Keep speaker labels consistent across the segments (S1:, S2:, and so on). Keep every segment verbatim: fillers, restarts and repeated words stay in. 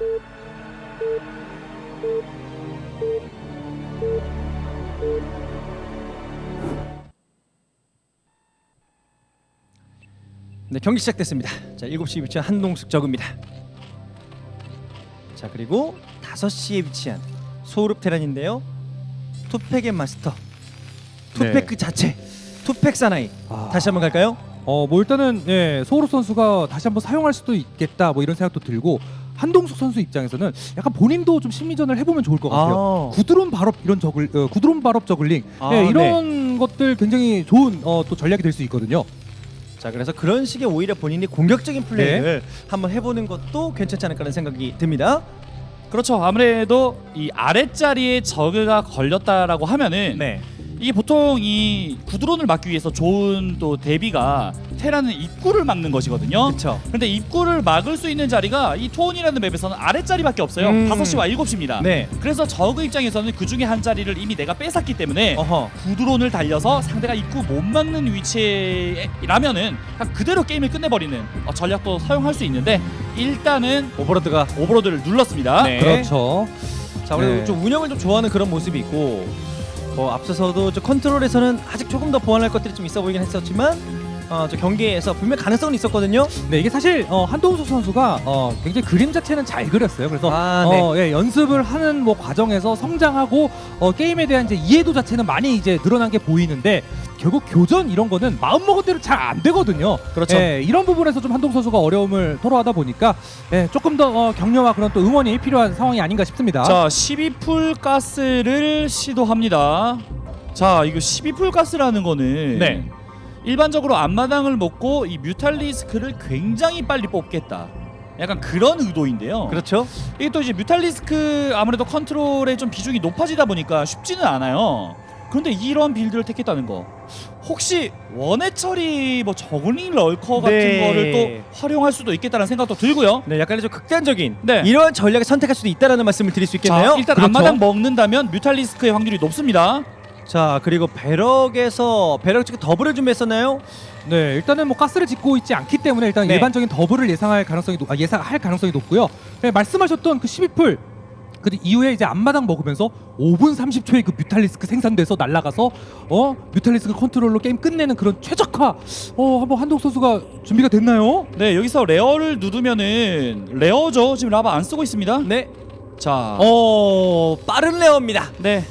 S1: 네, 경기 시작됐습니다. 자, 일곱 시에 위치한 한동숙 저그입니다. 자, 그리고 다섯 시에 위치한 소울읍 테란인데요. 투팩의 마스터, 투팩
S2: 네.
S1: 그 자체, 투팩 사나이.
S2: 아.
S1: 다시 한번 갈까요?
S2: 어, 뭐 일단은 예, 소울업 선수가 다시 한번 사용할 수도 있겠다 뭐 이런 생각도 들고 한동숙 선수 입장에서는 약간 본인도 좀 심리전을 해보면 좋을 것 같아요.
S1: 아.
S2: 구드론 발업 이런 저글, 어, 구드론 발업 저글링
S1: 아,
S2: 예, 이런 것들 굉장히 좋은 어, 또 전략이 될 수 있거든요.
S1: 자, 그래서 그런 식의 오히려 본인이 공격적인 플레이를 한번 해보는 것도 괜찮지 않을까라는 생각이 듭니다.
S3: 그렇죠. 아무래도 이 아랫자리에 저그가 걸렸다라고 하면은
S1: 네.
S3: 이게 보통 이 구드론을 막기 위해서 좋은 또 대비가 테라는 입구를 막는 것이거든요.
S1: 그렇죠.
S3: 근데 입구를 막을 수 있는 자리가 이 투혼이라는 맵에서는 아랫자리밖에 없어요.
S1: 음.
S3: 다섯 시와 일곱 시입니다.
S1: 네.
S3: 그래서 저그 입장에서는 그 중에 한 자리를 이미 내가 뺏었기 때문에
S1: 어허.
S3: 구드론을 달려서 상대가 입구 못 막는 위치라면은 그냥 그대로 게임을 끝내버리는 어, 전략도 사용할 수 있는데 일단은
S1: 오버로드가
S3: 오버로드를 눌렀습니다.
S1: 네.
S2: 그렇죠.
S1: 자, 그리고
S2: 네.
S1: 좀 운영을 좀 좋아하는 그런 모습이 있고, 어, 앞서서도 저 컨트롤에서는 아직 조금 더 보완할 것들이 좀 있어 보이긴 했었지만, 어, 저 경기에서 분명 가능성은 있었거든요.
S2: 네, 이게 사실 어, 한동숙 선수가 어, 굉장히 그림 자체는 잘 그렸어요. 그래서
S1: 아,
S2: 어, 예, 연습을 하는 뭐 과정에서 성장하고 어, 게임에 대한 이제 이해도 자체는 많이 이제 늘어난 게 보이는데 결국 교전 이런 거는 마음 먹은 대로 잘 안 되거든요.
S3: 그렇죠.
S2: 예, 이런 부분에서 좀 한동숙 선수가 어려움을 토로하다 보니까 예, 조금 더 어, 격려와 그런 또 응원이 필요한 상황이 아닌가 싶습니다.
S3: 자, 십이 풀 가스를 시도합니다. 자, 이거 십이 풀 가스라는 거는
S1: 네.
S3: 일반적으로 앞마당을 먹고 이 뮤탈리스크를 굉장히 빨리 뽑겠다. 약간 그런 의도인데요.
S1: 그렇죠.
S3: 이게 또 이제 뮤탈리스크 아무래도 컨트롤의 좀 비중이 높아지다 보니까 쉽지는 않아요. 그런데 이런 빌드를 택했다는 거, 혹시 원해 처리 뭐 저글링 럴커 같은
S1: 네.
S3: 거를 또 활용할 수도 있겠다는 생각도 들고요.
S1: 네, 약간 좀 극단적인
S3: 네.
S1: 이러한 전략을 선택할 수도 있다라는 말씀을 드릴 수 있겠네요.
S3: 자, 일단
S2: 그렇죠.
S3: 앞마당 먹는다면 뮤탈리스크의 확률이 높습니다.
S1: 자, 그리고 배럭에서 배럭 지금 더블을 준비했었나요?
S2: 네, 일단은 뭐 가스를 짓고 있지 않기 때문에 일단
S1: 네.
S2: 일반적인 더블을 예상할 가능성이 높, 아, 예상할 가능성이 높고요. 네, 말씀하셨던 그 십이 풀 그 이후에 이제 앞마당 먹으면서 오 분 삼십 초에 그 뮤탈리스크 생산돼서 날아가서 어 뮤탈리스크 컨트롤로 게임 끝내는 그런 최적화 어 한번 한동 선수가 준비가 됐나요?
S3: 네, 여기서 레어를 누르면은 레어죠. 지금 라바 안 쓰고 있습니다.
S1: 네.
S3: 자,
S1: 어, 빠른 레어입니다.
S3: 네.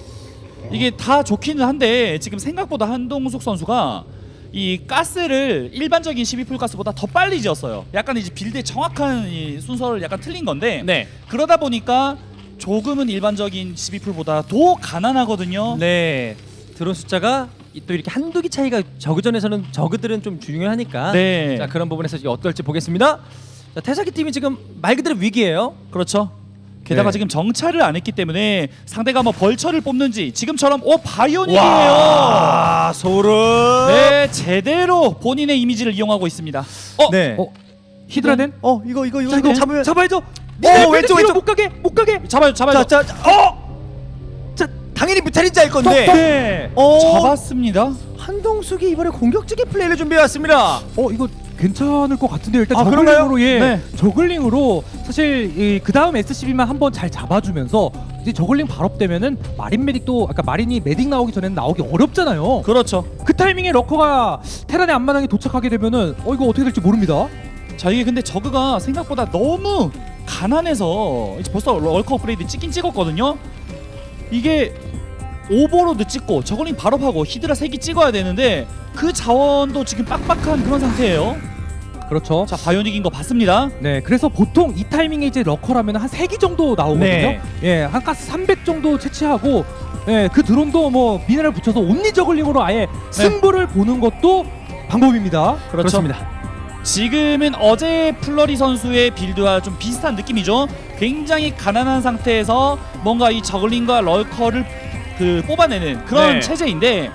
S3: 이게 다 좋기는 한데 지금 생각보다 한동숙 선수가 이 가스를 일반적인 십이 풀 가스보다 더 빨리 지었어요. 약간 이제 빌드의 정확한 이 순서를 약간 틀린 건데
S1: 네.
S3: 그러다 보니까 조금은 일반적인 십이 풀보다 더 가난하거든요.
S1: 네. 드론 숫자가 이- 또 이렇게 한두 개 차이가 저그전에서는 저그들은 좀 중요하니까.
S3: 네.
S1: 자, 그런 부분에서 이제 어떨지 보겠습니다. 자, 태사기 팀이 지금 말 그대로 위기예요.
S3: 그렇죠. 게다가
S2: 네.
S3: 지금 정찰을 안 했기 때문에 상대가 뭐 벌처를 뽑는지 지금처럼 오 바이오닉이에요.
S1: 와, 소름.
S3: 네, 제대로 본인의 이미지를 이용하고 있습니다. 어,
S1: 네.
S2: 어 히드라덴?
S1: 어, 이거 이거 이거,
S2: 자,
S1: 이거
S2: 이거
S1: 잡으면
S2: 잡아야죠.
S1: 어, 왼쪽, 왼쪽.
S2: 못 가게 못 가게.
S3: 잡아요, 잡아요.
S1: 자, 자, 자, 어! 자, 당연히 뮤탈인지 알 건데.
S2: 네.
S1: 어,
S3: 잡았습니다.
S1: 한동숙이 이번에 공격적인 플레이를 준비해 왔습니다.
S2: 어 이거 괜찮을 것 같은데요. 일단
S1: 아,
S2: 저글링으로 예,
S3: 네.
S2: 저글링으로 사실 그 다음 에스씨비만 한번 잘 잡아주면서 이제 저글링 발업되면은 마린 메딕도 아까 마린이 메딕 나오기 전에는 나오기 어렵잖아요.
S3: 그렇죠.
S2: 그 타이밍에 러커가 테란의 앞마당에 도착하게 되면은 어 이거 어떻게 될지 모릅니다.
S3: 자, 이게 근데 저그가 생각보다 너무 가난해서 이제 벌써 럴커 업그레이드 찍긴 찍었거든요. 이게 오버로드 찍고 저글링 발업하고 히드라 세 기 찍어야 되는데 그 자원도 지금 빡빡한 그런 상태예요.
S2: 그렇죠.
S3: 자, 바이오닉인 거 봤습니다.
S2: 네, 그래서 보통 이 타이밍에 이제 러커라면 한 세 기 정도 나오거든요.
S1: 네.
S2: 예, 한 가스 삼백 정도 채취하고 예, 그 드론도 뭐 미네랄 붙여서 온리 저글링으로 아예 승부를 보는 것도 방법입니다.
S3: 그렇죠.
S1: 그렇습니다.
S3: 지금은 어제 플러리 선수의 빌드와 좀 비슷한 느낌이죠. 굉장히 가난한 상태에서 뭔가 이 저글링과 럴커를 그 뽑아내는 그런
S1: 네.
S3: 체제인데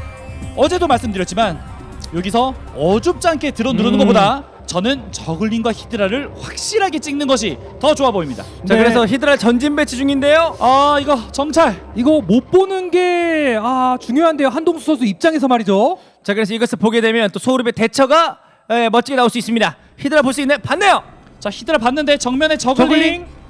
S3: 어제도 말씀드렸지만 여기서 어줍지 않게 드론 누르는
S1: 음.
S3: 것보다 저는 저글링과 히드라를 확실하게 찍는 것이 더 좋아 보입니다.
S1: 자,
S2: 네.
S1: 그래서 히드라 전진 배치 중인데요.
S3: 아, 이거 정찰.
S2: 이거 못 보는 게 아, 중요한데요. 한동수 선수 입장에서 말이죠.
S1: 자, 그래서 이것을 보게 되면 또 소울의 대처가 에, 멋지게 나올 수 있습니다. 히드라 볼 수 있나요? 봤네요.
S3: 자, 히드라 봤는데 정면에 저글링.
S2: 저글링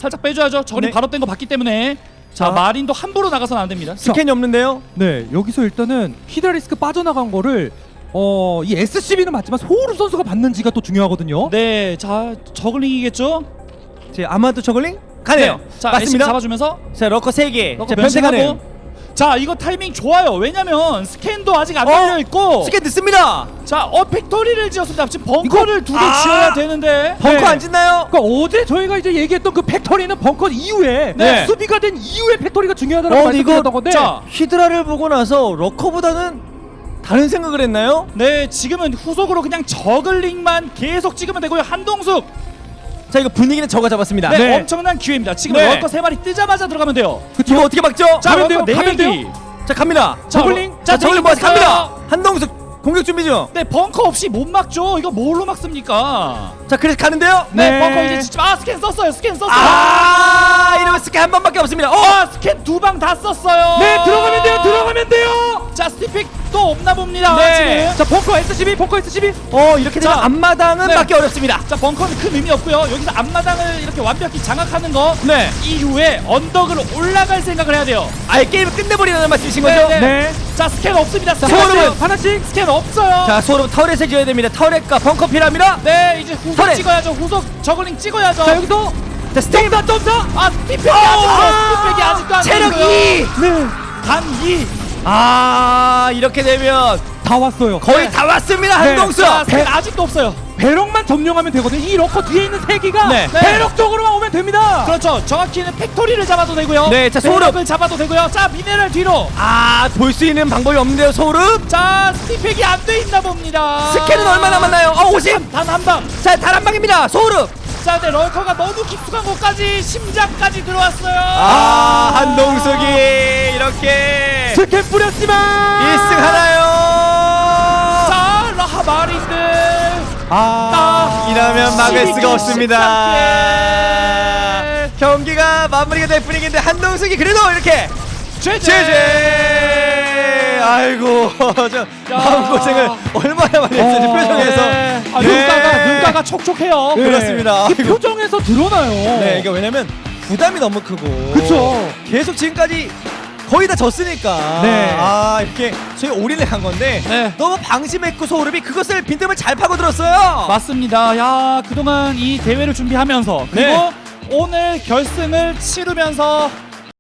S3: 살짝 빼줘야죠. 저걸링
S1: 네.
S3: 바로 뗀 거 봤기 때문에. 자,
S1: 자.
S3: 마린도 함부로 나가서는 안 됩니다.
S1: 스캔이 없는데요.
S2: 네, 여기서 일단은 히드라리스크 빠져나간 거를 어, 이 에스씨비는 맞지만 소울우 선수가 받는지가 또 중요하거든요.
S3: 네, 자 저글링이겠죠?
S1: 제 아마도 저글링 가네요.
S3: 네. 자,
S1: 맞습니다.
S3: 에스씨 잡아주면서
S1: 자 러커 세 개.
S3: 넣고
S1: 자 변태 가네.
S3: 변신하고. 자, 이거 타이밍 좋아요. 왜냐면 스캔도 아직 안
S1: 어?
S3: 열려 있고.
S1: 스캔 늦습니다.
S3: 자, 어 팩토리를 지었습니다. 지금 벙커를 두 개
S1: 아!
S3: 지어야 되는데.
S1: 벙커
S2: 네.
S1: 안 짓나요?
S2: 그러니까 어제 저희가 이제 얘기했던 그 팩토리는 벙커 이후에
S1: 네.
S2: 수비가 된 이후에 팩토리가 중요하다고
S1: 어,
S2: 말씀드렸던
S1: 이거
S2: 건데
S3: 자,
S1: 히드라를 보고 나서 러커보다는 다른 생각을 했나요?
S3: 네, 지금은 후속으로 그냥 저글링만 계속 찍으면 되고요. 한동숙.
S1: 자 이거 분위기는 저가 잡았습니다.
S3: 네,
S2: 네.
S3: 엄청난 기회입니다. 지금
S1: 네.
S3: 럭커 세 마리 뜨자마자 들어가면 돼요.
S1: 이거 어떻게 막죠?
S3: 자,
S2: 가면
S3: 럭커
S2: 돼요?
S3: 네
S2: 가면
S3: 기.
S1: 자 갑니다.
S3: 자,
S2: 저글링?
S3: 자,
S1: 자 저글링
S3: 네
S1: 모아서
S3: 기
S1: 갑니다.
S3: 봤어요.
S1: 한동숙 공격 준비 중.
S3: 네, 벙커 없이 못 막죠. 이거 뭘로 막습니까?
S1: 자 그래서 가는데요.
S3: 네,
S2: 네.
S3: 벙커 이제 진짜 아 스캔 썼어요. 스캔 썼어요.
S1: 아 이러면 스캔 한 번밖에 없습니다. 어
S3: 아, 스캔 두 방 다 썼어요.
S2: 네, 들어가면 돼요. 들어가면 돼요.
S3: 자, 스티픽 또 없나 봅니다.
S1: 네.
S3: 지금.
S2: 자, 벙커 에스씨비, 벙커 에스씨비.
S1: 어 이렇게 되면
S3: 자,
S1: 앞마당은
S3: 네.
S1: 막기 어렵습니다.
S3: 자, 벙커는 큰 의미 없고요. 여기서 앞마당을 이렇게 완벽히 장악하는 거
S1: 네.
S3: 이후에 언덕을 올라갈 생각을 해야 돼요.
S1: 아예 게임을 끝내버리는 말씀이신 거죠?
S3: 네, 네.
S2: 네.
S3: 자, 스캔 없습니다.
S2: 자,
S3: 스캔
S1: 소름은-
S2: 하나씩, 하나씩.
S3: 스캔 없어요.
S1: 자 소름 터렛에 지어야 됩니다. 터렛과 벙커 필요합니다.
S3: 네, 이제 후속
S1: 터렛.
S3: 찍어야죠. 후속 저글링 찍어야죠.
S2: 자, 여기서
S1: 자 스테이
S2: 점사, 점사.
S3: 아, 스티팩이 아직 아, 스티팩이 아직도 안
S1: 체력
S3: 되고요.
S1: 이.
S2: 네.
S3: 단 이.
S1: 아 이렇게 되면
S2: 다 왔어요.
S1: 거의
S3: 네.
S1: 다 왔습니다.
S2: 네.
S1: 한동수.
S3: 자, 스캔 아직도 없어요.
S2: 배럭만 점령하면 되거든요. 이 러커 뒤에 있는 세 기가
S1: 네.
S3: 네.
S2: 배럭 쪽으로만 오면 됩니다.
S3: 그렇죠. 정확히는 팩토리를 잡아도 되고요.
S1: 네, 자, 소름.
S3: 배럭을 잡아도 되고요. 자, 미네랄 뒤로.
S1: 아볼 수 있는 방법이 없는데요. 소름.
S3: 자, 스티팩이 안 돼 있나 봅니다.
S1: 스캔은 얼마 남았나요? 어 오십.
S3: 단 한 방.
S1: 자 단 한 방입니다. 소름.
S3: 자, 근데 럴커가 너무 깊숙한 곳까지 심장까지 들어왔어요.
S1: 아 한동숙이 이렇게
S2: 스캔 뿌렸지만
S1: 일 승 하나요.
S3: 자, 라하 마린들.
S2: 아,
S1: 이러면 막을
S3: 십이
S1: 수가
S3: 킬
S1: 없습니다.
S3: 십삼 킬.
S1: 경기가 마무리가 될 분위기인데 한동숙이 그래도 이렇게
S3: 제제.
S1: 제제. 아이고 저 마음고생을 얼마나 많이 했는지
S2: 어,
S1: 표정에서.
S3: 네. 아,
S1: 네.
S3: 눈가가 눈가가 촉촉해요.
S1: 네. 그렇습니다.
S2: 그
S1: 아이고.
S2: 표정에서 드러나요.
S1: 네 이게 왜냐면 부담이 너무 크고
S2: 그쵸.
S1: 계속 지금까지 거의 다 졌으니까
S2: 네.
S1: 아 이렇게 저희 올인을 한 건데
S3: 네.
S1: 너무 방심했고 소름이 그것을 빈틈을 잘 파고들었어요.
S3: 맞습니다. 야, 그동안 이 대회를 준비하면서 그리고
S1: 네.
S3: 오늘 결승을 치르면서